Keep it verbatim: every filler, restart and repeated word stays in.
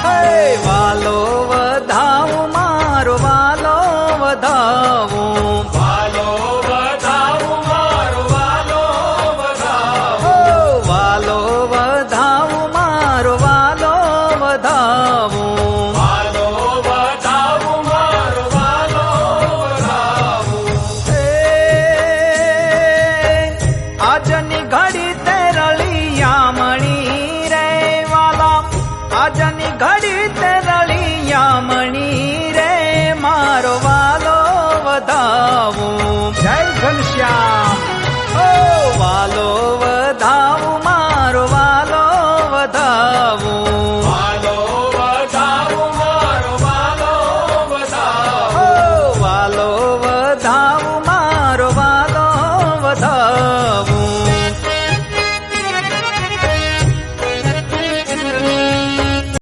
વાલો વધાવું મારો વાલો વધાવું વાલો વધાવું મારો વાલો વધાવું વાલો વધાવું મારો વાલો વધાવું વાલો વધાવું મારો વાલો વધાવું આજની ઘડી તે રળિયામણી રે વાલા આજની ઘડી તે